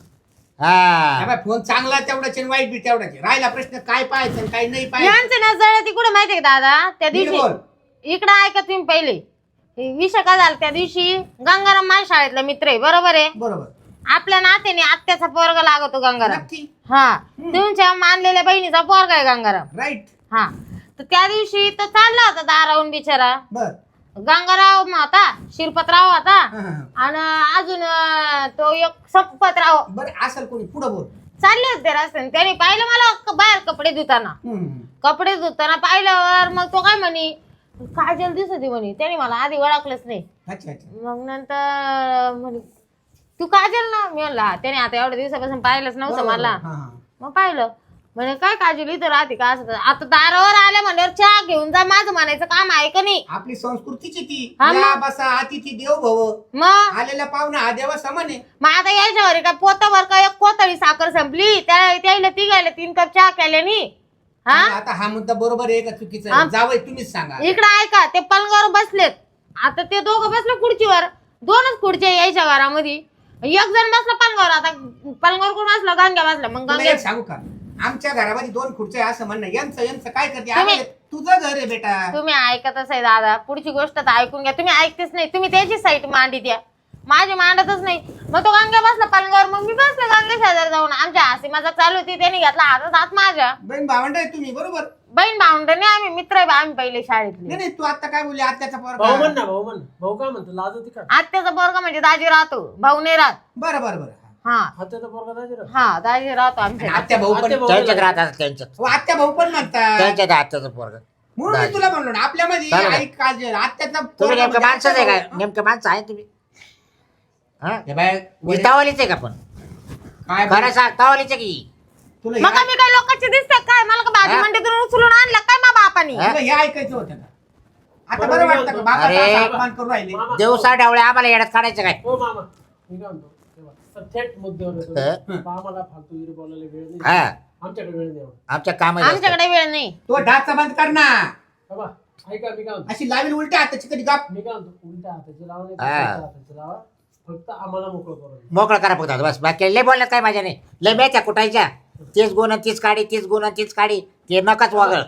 [SPEAKER 4] हा
[SPEAKER 2] बाय फोन चांगला तेवढाच आणि वाईट बी तेवढाच आहे. राहिला प्रश्न काय पाहायचं आणि काय नाही पाहायचं.
[SPEAKER 1] यांचं ना जळती कुठं माहितीये का दादा? त्या
[SPEAKER 2] नीट
[SPEAKER 1] दिवशी
[SPEAKER 2] बोल.
[SPEAKER 1] इकडं ऐका तुम्ही पहिले. हे विषय काय झाला त्या दिवशी? गंगाराम माझ्या शाळेतला मित्र आहे, बरोबर आहे.
[SPEAKER 2] बरोबर
[SPEAKER 1] आपल्या नात्याने आत्याचा पोरगा लागतो गंगाराम.
[SPEAKER 2] नक्की
[SPEAKER 1] हा, तुमच्या मानलेल्या बहिणीचा पोरगा आहे गंगाराम.
[SPEAKER 2] राईट.
[SPEAKER 1] हा, तर त्या दिवशी तो चालला होता दारावून बिचारा.
[SPEAKER 2] बर
[SPEAKER 1] गंगाराव होता, शिरपतराव होता,
[SPEAKER 2] हा, हा, हा.
[SPEAKER 1] आणि अजून तो एक संपतराव
[SPEAKER 2] बरं असेल कोणी पुढं बोल.
[SPEAKER 1] चालले होते रस्त्याने. त्याने पाहिलं मला बाहेर कपडे धुताना. कपडे धुताना पाहिल्यावर मग तो काय म्हणे, काजल दिसत होती म्हणे. त्याने मला आधी ओळखलंच नाही.
[SPEAKER 2] अच्छा अच्छा.
[SPEAKER 1] मग नंतर म्हणे तू काजल ना? मी म्हणला त्याने आता एवढ्या दिवसापासून पाहिलंच नव्हतं
[SPEAKER 2] बरोबर.
[SPEAKER 1] मला.
[SPEAKER 2] हा, हा.
[SPEAKER 1] मग पाहिलं म्हणे काय काजल इथं राहते का? असं आता दारावर आल्या म्हणल्यावर चहा घेऊन जा, माझं म्हणायचं काम आहे का नाही?
[SPEAKER 2] आपली संस्कृतीची ती
[SPEAKER 1] हा मग.
[SPEAKER 2] या बसा अतिथी देव भव.
[SPEAKER 1] मग
[SPEAKER 2] आलेला पाहुणा हा देवा समान आहे.
[SPEAKER 1] मग आता यायच्या घरी काय पोतावर का एक कोतळी साखर संपली, त्याला ती गायला 3 कप चहा केल्यानी. हा,
[SPEAKER 2] आता हा मुद्दा बरोबर आहे का चुकीचा
[SPEAKER 1] हा.
[SPEAKER 2] आहे? जावई तुम्हीच सांगा.
[SPEAKER 1] इकडं ऐका, ते पलंगावर बसलेत. आता ते दोघं बसले खुर्चीवर. 2च खुर्च्या यायच्या घरामध्ये. एक जण बसला पलंगावर. आता पलंगावर कोण बसला? गांग्या बसला. मग
[SPEAKER 2] तुला
[SPEAKER 1] गांग्या
[SPEAKER 2] एक सांगू का? आमच्या घरामध्ये 2 खुर्च्या आहे असं म्हणणं. यांचं काय करते?
[SPEAKER 1] तुम्ही-
[SPEAKER 2] अरे, तुझं घर आहे बेटा.
[SPEAKER 1] तुम्ही ऐकतच आहे दादा. पुढची गोष्ट तर ऐकून घ्या. तुम्ही ऐकतेच नाही. तुम्ही त्याची साईट मांडी द्या, माझी मांडतच नाही. मग तो गांग्या बसला पलंगावर, मग मी बसले गांग्या शेजारी जाऊन. आमच्या हसी मजाक चालू होती. त्याने घेतला हातात हात माझ्या.
[SPEAKER 2] बहीण भावंड आहे तुम्ही बरोबर.
[SPEAKER 1] बहीण भावंड नाही, आम्ही मित्र आहे. आम्ही पहिले शाळेतले.
[SPEAKER 2] नाही नाही, तू आता काय बोलली? आत्याचा
[SPEAKER 3] भाऊ
[SPEAKER 2] पोरगा.
[SPEAKER 3] म्हण ना, भाऊ म्हण. भाऊ काय म्हणतो? लाज होती का?
[SPEAKER 1] आत्याचा पोरगा म्हणजे दाजी राहतो, भाऊ नाही राहत.
[SPEAKER 2] बरं बरं बरं.
[SPEAKER 1] हा
[SPEAKER 3] हाताचा पोरगा दाजी राव.
[SPEAKER 1] हा, दाजी राहतो
[SPEAKER 2] आणि
[SPEAKER 1] आमच्या.
[SPEAKER 2] आत्या भाऊ पण
[SPEAKER 3] आत्या भाऊ-
[SPEAKER 4] त्यांच्यात राहतात त्यांच्यात
[SPEAKER 2] हो, आत्या भाऊ पण म्हणतात.
[SPEAKER 4] त्यांच्यात आत्याचं पोरग.
[SPEAKER 2] म्हणून मी तुला म्हणलो ना, आपल्यामध्ये
[SPEAKER 4] चालेल.
[SPEAKER 2] आई काजल आत्याचा
[SPEAKER 4] तुम्ही
[SPEAKER 2] पोरगा
[SPEAKER 4] नेमकं
[SPEAKER 2] म्हणजे
[SPEAKER 4] माणसंच आहे
[SPEAKER 2] आत्या
[SPEAKER 4] का?
[SPEAKER 2] भाऊ.
[SPEAKER 4] नेमकं माणसं आहे तुम्ही? हा
[SPEAKER 2] हे बाय, वडील-
[SPEAKER 4] तावलीच आहे का? पण
[SPEAKER 2] काय
[SPEAKER 4] खरं
[SPEAKER 2] बोल-
[SPEAKER 4] सांग तावलीच आहे की?
[SPEAKER 2] तुला
[SPEAKER 1] मग
[SPEAKER 2] हे-
[SPEAKER 1] मी काय लोकांची दिसते काय? मला का भाजी
[SPEAKER 4] हा?
[SPEAKER 1] मंडीतून उचलून आणलं काय मा बापानी?
[SPEAKER 4] हा?
[SPEAKER 2] तुला हे ऐकायचं होतं का? आता
[SPEAKER 3] बरं,
[SPEAKER 2] बरं
[SPEAKER 3] मी
[SPEAKER 2] वाटतं का?
[SPEAKER 3] बोलतो.
[SPEAKER 2] बाबाचा
[SPEAKER 4] अरे.
[SPEAKER 2] असा अपमान करून राहिले.
[SPEAKER 3] मामा,
[SPEAKER 4] दिवसा डावळे आम्हाला येड्यात काढायचं काय?
[SPEAKER 3] हो मामा, मी काय म्हणतो, तेव्हा तर थेट मुद्द्यावर येतो.
[SPEAKER 4] हं.
[SPEAKER 3] आम्हाला फालतूगिरी बोलायला वेळ नाही.
[SPEAKER 4] हा
[SPEAKER 3] आमच्याकडे वेळ नाही एवढा.
[SPEAKER 4] आमच्या काम
[SPEAKER 1] आमच्याकडे वेळ नाही.
[SPEAKER 2] तो ढाचा बंद कर ना.
[SPEAKER 3] बाबा ऐका, मी काय म्हणतो,
[SPEAKER 2] अशी लावील उलट्या हाताची कधी गाप.
[SPEAKER 3] मी काय म्हणतो, उलट्या हाताची लावा नाही तर
[SPEAKER 4] हा.
[SPEAKER 3] सलत्या हाताची लावा. फक्त आम्हाला मोकळं करून द्या.
[SPEAKER 4] मोकळं करा फक्त आता, बस बाकी लय बोलण्यात काय माझ्या नाही. लय मेच्या कुठायच्या. तीच गुण आणि तीच काढी, तीच गुण आणि तीच काढी. ते नकाच वागळ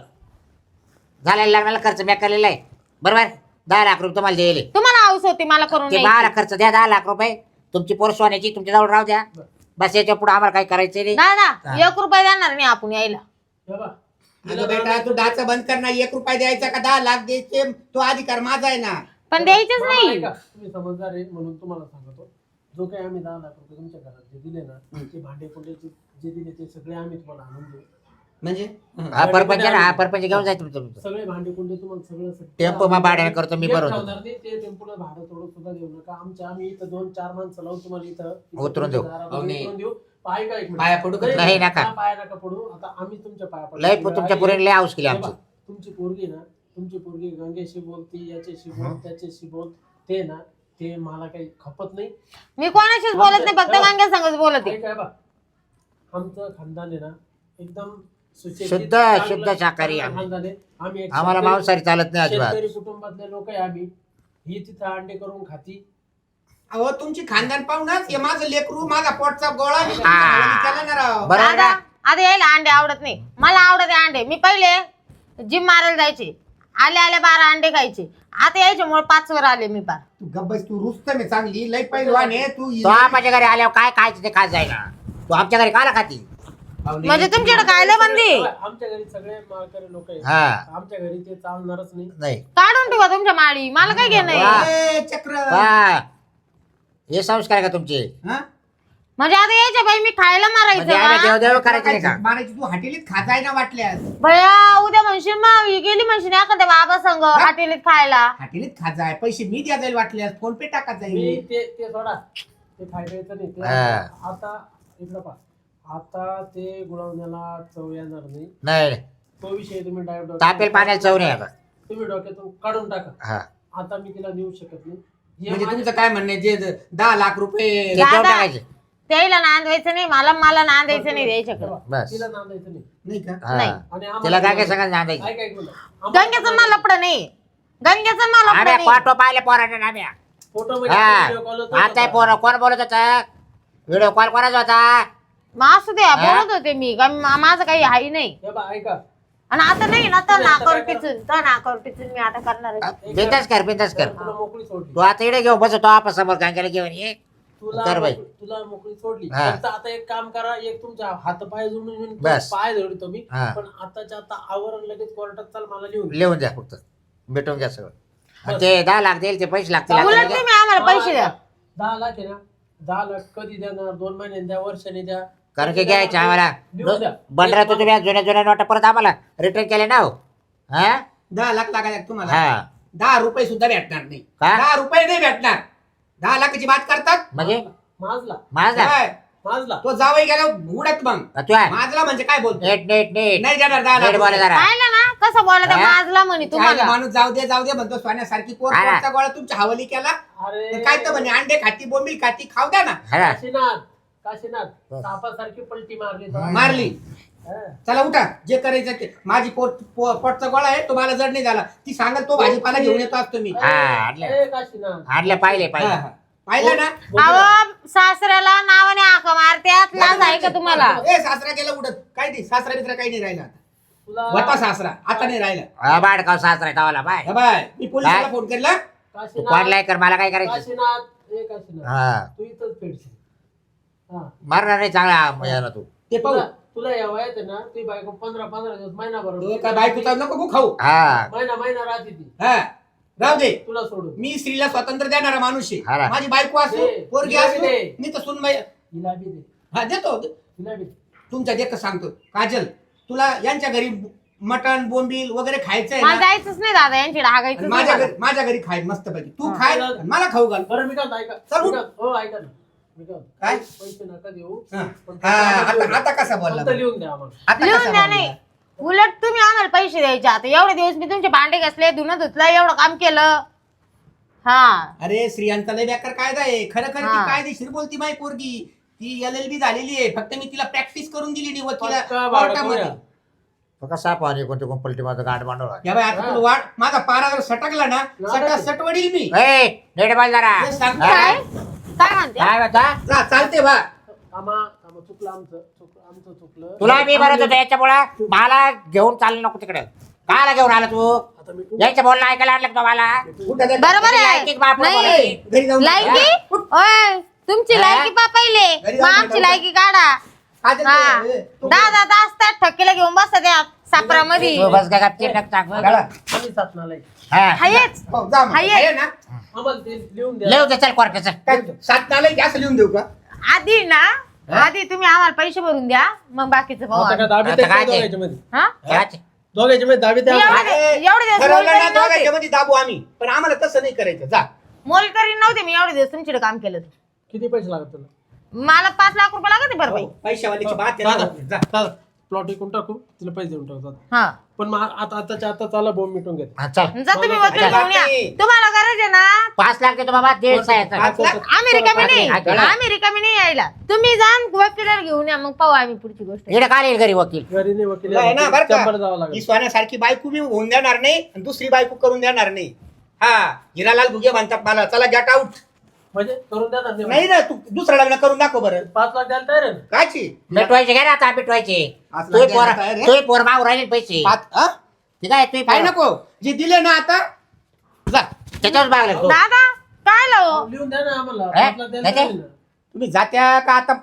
[SPEAKER 4] झालेला लग्नाला खर्च मी केलेला आहे बरोबर. 10 लाख रुपये तुम्हाला द्यायले.
[SPEAKER 1] तुम्हाला हाऊस होती मला करून
[SPEAKER 4] ते
[SPEAKER 1] द्यायची.
[SPEAKER 4] 12 खर्च द्या. 10 लाख रुपये तुमची पोर सोन्याची तुमच्या जवळ राहू द्या. बस याच्या पुढे आम्हाला काय करायचं नाही.
[SPEAKER 1] दादा
[SPEAKER 4] हा.
[SPEAKER 1] 1 रुपया देणार नाही आपण यायला.
[SPEAKER 3] बाबा,
[SPEAKER 2] अगं बेटा, तू ढाचा बंद कर ना. 1 रुपया द्यायचा का 10 लाख द्यायचे? तो अधिकार माझा आहे ना.
[SPEAKER 1] पण द्यायचंच
[SPEAKER 3] मामा,
[SPEAKER 1] नाही.
[SPEAKER 3] ऐका, तुम्ही समजदार आहे म्हणून तुम्हाला सांगतो. जो काही आम्ही 10 लाख रुपये तुमच्या घरात जे दिले ना, ते भांडे कुंडेचे जे दिले ते सगळे आम्ही तुम्हाला आणून देऊ.
[SPEAKER 2] म्हणजे
[SPEAKER 4] हा परपंच ना, हा परपंच घेऊन जायचं तुमचं.
[SPEAKER 3] सगळे भांडे कुंडे तुम्हाला सगळं
[SPEAKER 4] टेम्पो मग भाड्याने करतो मी
[SPEAKER 3] एक
[SPEAKER 4] बरोबर.
[SPEAKER 3] ठेवणार नाही, ते टेम्पोला भाडं थोडं सुद्धा देऊ नका. आम्ही इथं 2-4 माणसं लावून तुम्हाला इथं
[SPEAKER 4] उतरून देऊ.
[SPEAKER 3] दारामध्ये
[SPEAKER 2] हो, नाही.
[SPEAKER 3] उतरून देऊ. पाय का एक मिनिट.
[SPEAKER 2] पाया पडू का?
[SPEAKER 4] नाही, नका.
[SPEAKER 3] पाया नका पडू. आता आम्ही तुमच्या पाया पडू.
[SPEAKER 4] लय तुमच्या पुरीने लय हाऊस केली
[SPEAKER 3] हे
[SPEAKER 4] आमची.
[SPEAKER 3] बघ, तुमची पोरगी ना, तुमची पोरगी गंगेशी बोलती, याच्याशी बोल, त्याच्याशी बोल. ते ना, ते मला काही खपत नाही.
[SPEAKER 1] मी कोणाशीच बोलत नाही, फक्त गांग्या संगच बोलते.
[SPEAKER 3] काय बा, आमचं खानदान आहे ना एकदम सुशिक्षित,
[SPEAKER 4] शुद्ध-
[SPEAKER 3] चांगलं-
[SPEAKER 4] शुद्ध शाकाहारी
[SPEAKER 3] चांगलं
[SPEAKER 4] आम्ही.
[SPEAKER 3] खानदान आहे. आम्ही एक
[SPEAKER 4] आम्हाला
[SPEAKER 3] शेतकरी-
[SPEAKER 4] मांसाहारी चालत नाही अजिबात.
[SPEAKER 3] शेतकरी कुटुंबातले लोक आहे आम्ही. ही तिथं अंडे करून खाती.
[SPEAKER 2] अहो तुमची खानदान पाहुणाच हे माझं लेकरू, माझा पोटचा गोळा. मी तुमच्या
[SPEAKER 4] हा.
[SPEAKER 2] भावाने केला ना राव.
[SPEAKER 4] बरोबर
[SPEAKER 1] दादा
[SPEAKER 4] ना?
[SPEAKER 1] आता यायला अंडे आवडत नाही. मला आवडते अंडे. मी पहिले जिम मारायला जायचे, आल्या 12 अंडे खायचे. आता यायच्यामुळे 5 वर आले मी पार.
[SPEAKER 2] तू गब्बस, तू रुस्तम आहे चांगली, लय पहिलवान आहे तू.
[SPEAKER 4] तो माझ्या घरी आल्यावर काय खायचं ते खात जायला. तू आमच्या घरी काला खाती?
[SPEAKER 1] म्हणजे तुमच्याकडे खायला बंदी.
[SPEAKER 3] आमच्या घरी सगळे माळकरी लोक आहेत.
[SPEAKER 4] हा
[SPEAKER 3] आमच्या घरी ते चालणारच नाही.
[SPEAKER 4] नाही
[SPEAKER 1] काढून ठेवा तुमच्या माळी, मला काय घेणं
[SPEAKER 4] वा.
[SPEAKER 1] आहे.
[SPEAKER 2] ए, चक्र.
[SPEAKER 4] हा. हे संस्कार आहे का तुमचे?
[SPEAKER 2] हा?
[SPEAKER 1] म्हणजे आता यायच्या बाई मी खायला
[SPEAKER 4] म्हणजे आम्ही
[SPEAKER 1] मारायचं.
[SPEAKER 4] देवदेव करायचं नाही का?
[SPEAKER 2] मारायची तू हॉटेलीत खाताय ना वाटल्यास.
[SPEAKER 1] भया उद्या म्हणशील मग ही गेली म्हणशील एखाद्या बाबा संग हॉटेलीत खायला.
[SPEAKER 2] हॉटेलीत खाजाय, पैसे मी द्या जाईल वाटल्यास, फोन पे टाका
[SPEAKER 3] मी
[SPEAKER 2] जाईल.
[SPEAKER 3] ते सोडा, ते फायद्याचं नाही ते.
[SPEAKER 4] हा.
[SPEAKER 3] आता इकडं पहा, आता ते गुळवण्याला चव येणार नाही.
[SPEAKER 4] नाही
[SPEAKER 3] तो विषय तुम्ही डायरेक्ट
[SPEAKER 4] तापेल पाण्याला चव नाही आता.
[SPEAKER 3] तुम्ही डोक्यातून काढून टाका.
[SPEAKER 4] हा
[SPEAKER 3] आता मी तिला देऊ शकत नाही. हे
[SPEAKER 2] म्हणजे
[SPEAKER 3] माझ्या-
[SPEAKER 2] तुमचं काय म्हणणं आहे, जे 10 लाख रुपये
[SPEAKER 4] ते देऊन
[SPEAKER 1] दादा.
[SPEAKER 4] टाकायचे.
[SPEAKER 1] त्याला नांदवायचं नाही, मला नांदायचं नाही द्यायच्याकडं.
[SPEAKER 4] बस
[SPEAKER 3] तिला नांदायचं नाही.
[SPEAKER 2] नाही का?
[SPEAKER 4] हा.
[SPEAKER 1] नाही.
[SPEAKER 3] आणि आम्हाला-
[SPEAKER 4] तिला काय काय सांगायचं नांदायचं.
[SPEAKER 3] ऐक ऐक बोला.
[SPEAKER 1] गंगेचं मला लपड नाही, गंगेचं मला लपड
[SPEAKER 4] आम्ही
[SPEAKER 1] नाही.
[SPEAKER 4] फोटो पाहिले पोराने आम्ही.
[SPEAKER 3] फोटो मध्ये व्हिडिओ कॉल
[SPEAKER 4] हा आता पोरं कोण बोलत होता, व्हिडिओ कॉल कोणाचा होता.
[SPEAKER 1] मग असू द्या, बोलत होते मी माझं काही आहे नाही.
[SPEAKER 3] हे बा ऐका.
[SPEAKER 1] आणि आता नाही ना, तर
[SPEAKER 3] आता
[SPEAKER 1] नाकावर
[SPEAKER 3] काय करा?
[SPEAKER 1] टिचून, तर नाकावर टिचून मी आता करणार आहे.
[SPEAKER 4] बिंदास कर बिंदास कर.
[SPEAKER 3] तुला मोकळी सोडली.
[SPEAKER 4] तू आता इकडे घेऊ बसतो आपण समोर गांग्याला घेऊन ये.
[SPEAKER 3] तुला
[SPEAKER 4] कर बाई.
[SPEAKER 3] तुला मोकळी सोडली.
[SPEAKER 4] हा.
[SPEAKER 3] फक्त आता एक काम करा, एक तुमच्या हात पाय जोडून
[SPEAKER 4] बस.
[SPEAKER 3] पाय जोडतो मी.
[SPEAKER 4] हा.
[SPEAKER 3] पण आताच्या आता आवरण लगेच कोर्टात चाल मला लिहून दे.
[SPEAKER 4] लिहून द्या फक्त, भेटून घ्या सगळं. आणि ते 10 लाख देईल, ते पैसे लागतील.
[SPEAKER 1] उलट
[SPEAKER 4] आता
[SPEAKER 1] तुम्ही आम्हाला पैसे द्या.
[SPEAKER 3] 10 लाख आहे ना, 10 लाख कधी देणार? 2 महिन्यांनी द्या, वर्षाने द्या.
[SPEAKER 4] कारण की घ्यायचे आम्हाला
[SPEAKER 3] लिहून द्या.
[SPEAKER 4] बंडरा तर तुम्ही जुन्या नोटा परत आम्हाला रिटर्न केले ना हो. हा
[SPEAKER 2] 10 लाख लागायला तुम्हाला
[SPEAKER 4] हा
[SPEAKER 2] 10 रुपये सुद्धा भेटणार नाही.
[SPEAKER 4] का?
[SPEAKER 2] 10 रुपये नाही भेटणार. 10 लाखाची बात करतात.
[SPEAKER 4] म्हणजे
[SPEAKER 3] माजला
[SPEAKER 4] माझा
[SPEAKER 2] काय?
[SPEAKER 3] माजला.
[SPEAKER 2] तो जावई गेला उडत मग
[SPEAKER 4] तू आहे.
[SPEAKER 2] माझला म्हणजे काय बोलतो?
[SPEAKER 4] नेट नेट नेट
[SPEAKER 2] नाही देणार 10
[SPEAKER 4] नेट बोला
[SPEAKER 2] लाख.
[SPEAKER 4] जरा.
[SPEAKER 1] पाहिलं ना कसं बोलत
[SPEAKER 4] हा?
[SPEAKER 1] माझला म्हणे
[SPEAKER 2] चायला
[SPEAKER 1] तुम्हाला.
[SPEAKER 2] माणूस जाऊ दे म्हणतो, सोन्यासारखी पोर
[SPEAKER 4] हा.
[SPEAKER 2] पोरचा गोळा तुमच्या हवाली केला.
[SPEAKER 3] अरे
[SPEAKER 2] तर काय तर म्हणे अंडे खाती बोंबील खाती खाऊ द्या ना.
[SPEAKER 4] हा.
[SPEAKER 3] काशीनाथ सापासारखी पलटी मारली तो.
[SPEAKER 2] मारली.
[SPEAKER 3] हा.
[SPEAKER 2] चला उठा, जे करायचं ते. माझी पोटचा गोळा आहे, तो मला जड नाही झाला. ती सांगल तो भाजीपाला घेऊन येतो असतो मी.
[SPEAKER 4] हा, आणलं.
[SPEAKER 3] ए, काशीनाथ.
[SPEAKER 4] आणलं पाहिले
[SPEAKER 2] हा,
[SPEAKER 4] पाहिले.
[SPEAKER 2] हा. पाहिलं ना?
[SPEAKER 1] अहो सासऱ्याला नावाने हाक मारत्यात, लाज आहे का तुम्हाला?
[SPEAKER 2] ए सासरा गेला उडत. काय नाही, सासरा मित्र काही नाही राहिला आता.
[SPEAKER 3] तुला
[SPEAKER 2] होता सासरा, आता नाही राहिला.
[SPEAKER 4] हा, बाडकाव सासरा तावाला बाय.
[SPEAKER 2] हे बाय, मी पोलिसाला
[SPEAKER 4] काय?
[SPEAKER 2] फोन केला.
[SPEAKER 4] तू
[SPEAKER 3] काशीनाथ
[SPEAKER 4] कोणलाय कर, मला काय करायचं.
[SPEAKER 3] काशीनाथ ए काशीनाथ
[SPEAKER 4] हा
[SPEAKER 3] तू इथंच फेडशील. हा.
[SPEAKER 4] मारणार नाही चांगला मजा तू.
[SPEAKER 2] ते पाहू.
[SPEAKER 3] तुला या वयात आहे ना, तुझी बायको 15 दिवस महिनाभर
[SPEAKER 2] तो काय बायकोचा नको गो खाऊ.
[SPEAKER 4] हा
[SPEAKER 3] महिना राहते ती
[SPEAKER 2] हा राहू दे.
[SPEAKER 3] तुला सोडून.
[SPEAKER 2] मी स्त्रीला स्वातंत्र्य देणारा माणूस
[SPEAKER 4] हा
[SPEAKER 2] आहे.
[SPEAKER 4] ना.
[SPEAKER 2] माझी बायको असो,
[SPEAKER 3] दे.
[SPEAKER 2] पोरगी
[SPEAKER 3] तिला बी
[SPEAKER 2] असो,
[SPEAKER 3] दे.
[SPEAKER 2] मी तर सुनबाई.
[SPEAKER 3] हिला बी दे.
[SPEAKER 2] हा देतो.
[SPEAKER 3] हिला बी दे.
[SPEAKER 2] तुमच्या देखत सांगतो, काजल तुला यांच्या घरी मटण बोंबील वगैरे खायचंय
[SPEAKER 1] मला
[SPEAKER 2] ना.
[SPEAKER 1] जायचंच नाही दादा, यांची
[SPEAKER 2] आणि
[SPEAKER 1] डागायचं
[SPEAKER 2] माझ्या घरी खाय मस्त पैकी. तू
[SPEAKER 1] हा.
[SPEAKER 2] खाय आणि मला खाऊ घाल.
[SPEAKER 3] बरं मी काय ऐका.
[SPEAKER 2] चल उठ.
[SPEAKER 3] हो ऐका ना. मी काय
[SPEAKER 2] काय?
[SPEAKER 3] पैसे नका देऊ.
[SPEAKER 2] हा.
[SPEAKER 3] पण
[SPEAKER 2] हा,
[SPEAKER 3] आता लिहून
[SPEAKER 2] आता कसा
[SPEAKER 3] द्या.
[SPEAKER 2] बोलला?
[SPEAKER 3] फक्त लिहून द्या आम्हाला.
[SPEAKER 2] आता
[SPEAKER 1] लिहून
[SPEAKER 2] कसा
[SPEAKER 1] द्या
[SPEAKER 2] बोलला?
[SPEAKER 1] नाही. उलट तुम्ही आम्हाला पैसे द्यायचे. आता एवढे दिवस मी तुमचे भांडे घासले, धुणं धुतलं, एवढं काम केलं. हा
[SPEAKER 2] अरे स्त्रियांचा लय बेकार कायदा आहे. खरं खरं
[SPEAKER 1] हा.
[SPEAKER 2] ती कायदेशीर बोलती माय पोरगी. ती LLB झालेली आहे. फक्त मी तिला प्रॅक्टिस करून दिली नाही वकिला
[SPEAKER 3] पक्का भाडं
[SPEAKER 2] कोर्टामध्ये.
[SPEAKER 3] करूया.
[SPEAKER 4] तो कसा पाहणे कोणते कोण पलटी माझं गाठ मांडवला.
[SPEAKER 2] या बाई आता तुला वाट, माझा पारा जर सटकला ना, सट वडील मी.
[SPEAKER 4] ए नेट बाल जरा.
[SPEAKER 2] हे सांगतो.
[SPEAKER 1] काय काय म्हणते?
[SPEAKER 4] काय म्हणता?
[SPEAKER 2] जा, चालते बा.
[SPEAKER 3] आम्हा चुकलं आमचं चुकलं.
[SPEAKER 4] तुला मी म्हणत होतो याच्यामुळं मला घेऊन चाललं नको तिकडे. काला घेऊन आला तू?
[SPEAKER 3] आता मी
[SPEAKER 4] यायचं बोलणं ऐकायला आणलं का तुम्हाला?
[SPEAKER 2] उठा जा.
[SPEAKER 1] बरोबर आहे.
[SPEAKER 4] लायकीक बाप
[SPEAKER 1] नाही.
[SPEAKER 4] बोलायची.
[SPEAKER 2] घरी जाऊन
[SPEAKER 1] लायकी ओय तुमची
[SPEAKER 4] हा?
[SPEAKER 1] लायकी पा पहिले,
[SPEAKER 2] घरी
[SPEAKER 1] मग
[SPEAKER 2] जाऊन
[SPEAKER 1] आमची
[SPEAKER 2] भेटावं.
[SPEAKER 1] लायकी काढा.
[SPEAKER 2] काजल
[SPEAKER 1] हा
[SPEAKER 2] ते, तू-
[SPEAKER 1] 10 तास त्या ठक्कीला घेऊन बसता त्या सापरामध्ये.
[SPEAKER 4] तू बस का गपचीप टाक.
[SPEAKER 2] गाडा.
[SPEAKER 3] आम्ही साधनाला आहे.
[SPEAKER 4] हा.
[SPEAKER 1] हायच
[SPEAKER 2] हो, जा मग.
[SPEAKER 1] हाय.
[SPEAKER 2] आहे ना?
[SPEAKER 3] आम्हाला ते लिहून द्या.
[SPEAKER 4] लिहू दे चल कोर्टाचं.
[SPEAKER 2] काय 7 नालायक असं लिहून देऊ का?
[SPEAKER 1] आधी ना, आधी तुम्ही आम्हाला पैसे भरून द्या, मग बाकीचं पाहू
[SPEAKER 3] आता काय
[SPEAKER 1] आम्ही.
[SPEAKER 3] दाबी
[SPEAKER 4] आता
[SPEAKER 3] द्या
[SPEAKER 4] काय ते?
[SPEAKER 3] दोघांच्या मध्ये.
[SPEAKER 1] हा?
[SPEAKER 4] काय?
[SPEAKER 3] दोघांच्या मध्ये दाबी द्या.
[SPEAKER 1] एवढे दिवस
[SPEAKER 2] ठरवलं ना,
[SPEAKER 1] मोलकरीण
[SPEAKER 2] दोघांच्या
[SPEAKER 1] नव्हते.
[SPEAKER 2] मध्ये दाबू आम्ही. पण आम्हाला तसं नाही करायचं. जा.
[SPEAKER 1] मोलकरीण नव्हते मी एवढे दिवस तुमच्याकडे काम केलं.
[SPEAKER 3] किती पैसे लागत तुला?
[SPEAKER 1] मला 5 लाख रुपये लागत बरं बाई.
[SPEAKER 2] पैशावाल्याची बात आहे ना. जा.
[SPEAKER 3] प्लॉट विकून टाकू तिला पैसे देऊन टाकू.
[SPEAKER 1] हा
[SPEAKER 3] पण मग आताच्या आता चाला बोंब मिटून घेत.
[SPEAKER 4] हा, चल.
[SPEAKER 1] जा तुम्ही वकील घेऊन या.
[SPEAKER 2] नाही.
[SPEAKER 1] तुम्हाला गरज आहे ना.
[SPEAKER 4] 5 लाख देतो बाबा. 1.5
[SPEAKER 2] 5 लाख?
[SPEAKER 1] आम्ही रिकामी नाही,
[SPEAKER 4] हा.
[SPEAKER 1] आम्ही रिकामी नाही यायला. तुम्ही जा वकिलाला घेऊन या, मग पाहू आम्ही पुढची गोष्ट.
[SPEAKER 4] इकडे काय येईल घरी वकील?
[SPEAKER 3] घरी नाही वकील
[SPEAKER 2] आहे ना, बरं
[SPEAKER 3] चंबर जावं
[SPEAKER 2] का? ही
[SPEAKER 3] लागेल.
[SPEAKER 2] सोन्यासारखी बायको मी होऊन देणार नाही आणि दुसरी बायको करून देणार नाही. हा हिरालाल भुगे म्हणतात मला, चला गेट आउट.
[SPEAKER 3] म्हणजे करून द्या ना.
[SPEAKER 2] नाही ना, तू दुसरं लग्न करून दाखव बरं.
[SPEAKER 3] 5 लाख द्यायला तयार आहे ना?
[SPEAKER 2] काची
[SPEAKER 4] मिटवायचे घे ना आता मिटवायचे.
[SPEAKER 2] आज
[SPEAKER 4] तू
[SPEAKER 2] लागेल
[SPEAKER 4] पोर
[SPEAKER 2] आता रे.
[SPEAKER 4] तू पोर मागू राहिले पैसे.
[SPEAKER 2] हा?
[SPEAKER 4] ठीक आहे तू
[SPEAKER 2] काय नको जे दिले ना आता जा.
[SPEAKER 4] त्याच्यावर मागले तू.
[SPEAKER 1] दादा काय लाव
[SPEAKER 3] लिहून द्या ना आम्हाला.
[SPEAKER 4] हे?
[SPEAKER 3] 5 लाख द्यायला
[SPEAKER 4] काय
[SPEAKER 3] तयार आहे ना?
[SPEAKER 2] तुम्ही जात्या का आता?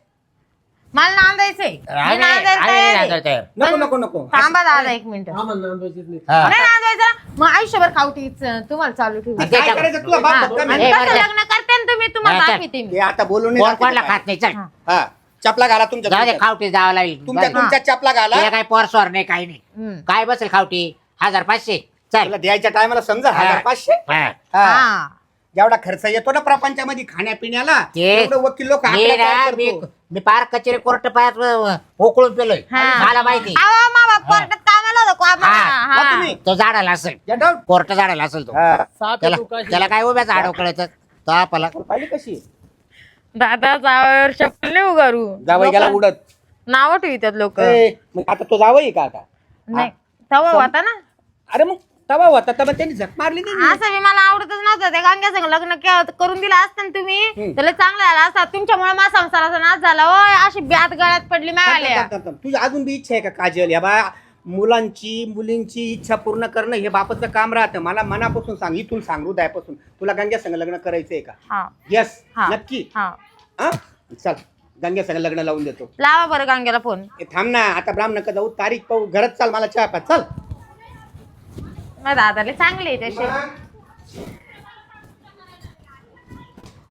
[SPEAKER 1] मला नांदायचंय. मी नांदायला तयार आहे.
[SPEAKER 2] नको नको नको.
[SPEAKER 1] थांबा दादा 1 मिनिट.
[SPEAKER 3] आम्हाला नांदवायचीच नाही.
[SPEAKER 1] नाही नांदायचं, मग आयुष्यभर खावटीच तुम्हाला चालू ठेवू.
[SPEAKER 4] आणि
[SPEAKER 2] काय करायचं तुला बाप भक्कम
[SPEAKER 1] आणि
[SPEAKER 2] आहे.
[SPEAKER 4] हे
[SPEAKER 1] कसं
[SPEAKER 4] बरं.
[SPEAKER 1] लग्न करते ना तुम्ही, तुम्हाला
[SPEAKER 4] हा, चल.
[SPEAKER 1] दाखवते मी.
[SPEAKER 2] हे आता बोलून
[SPEAKER 4] कोण कोणला खात नाही. चल.
[SPEAKER 2] हा चपला घाला तुमच्या
[SPEAKER 4] जाऊ दे
[SPEAKER 2] तुमच्या
[SPEAKER 4] खावटी जावं लागेल.
[SPEAKER 2] तुमच्या चपला घाला.
[SPEAKER 4] तिला काय पोर स्वर नाही काही नाही.
[SPEAKER 1] हम्म.
[SPEAKER 4] काय बसेल खावटी 1500. चल.
[SPEAKER 2] तुला द्यायच्या टायमाला समजा
[SPEAKER 4] हा.
[SPEAKER 2] 1500.
[SPEAKER 4] हा.
[SPEAKER 2] हा.
[SPEAKER 1] हा
[SPEAKER 2] जेवढा खर्च येतो ना प्रपंचामध्ये खाण्यापिण्याला,
[SPEAKER 4] ते-
[SPEAKER 2] तेवढं वकील लोक
[SPEAKER 4] मी पार कचेरी कोर्ट पायात उकळून पेलोय.
[SPEAKER 1] हा.
[SPEAKER 4] मला माहिती.
[SPEAKER 1] अहो, मा बाप कोर्टात कामाला
[SPEAKER 4] हा.
[SPEAKER 2] वा तुम्ही.
[SPEAKER 4] तो झाडाला असेल
[SPEAKER 2] Get out.
[SPEAKER 4] कोर्ट झाडाला असेल तो
[SPEAKER 2] हा.
[SPEAKER 3] साप
[SPEAKER 4] त्याला
[SPEAKER 3] येतो काही.
[SPEAKER 4] त्याला काय उभ्याच आडव कळत तो आपला
[SPEAKER 2] पाहिली कशी
[SPEAKER 1] दादा जावावर चप्पल नाही उगारू
[SPEAKER 2] जावई गेला उडत
[SPEAKER 1] नाव ठेवतात लोक
[SPEAKER 2] मग आता तो जावई का आता
[SPEAKER 1] नाही तवा होता ना
[SPEAKER 2] अरे मग तवा होता तर मग त्यांनी झक मारली नाही
[SPEAKER 1] असं बी मला आवडतच नव्हतं त्या गांग्या संग लग्न करून दिलं असतं ना तुम्ही त्याला चांगलं झालं असता तुमच्यामुळे माझा संसाराचा नाश झाला ओय अशी ब्यात गळ्यात पडली मिळाल्या
[SPEAKER 2] तुझी अजून बी इच्छा आहे का काजल या बा मुलींची इच्छा पूर्ण करणं हे बापाचं काम राहतं मला मनापासून सांग इथून सांग हृदयापासून तुला गंग्या संग लग्न करायचंय का
[SPEAKER 1] हा
[SPEAKER 2] यस
[SPEAKER 1] हा.
[SPEAKER 2] नक्की
[SPEAKER 1] हा
[SPEAKER 2] हा चल गंग्या संग लग्न लावून देतो
[SPEAKER 1] लावा बरं गांग्याला फोन
[SPEAKER 2] ए, थांब ना आता ब्राह्मण जाऊ तारीख पाहू घरात चाल मला चहा पाच चल
[SPEAKER 1] माझ्या दादाला चांगले आहे तसे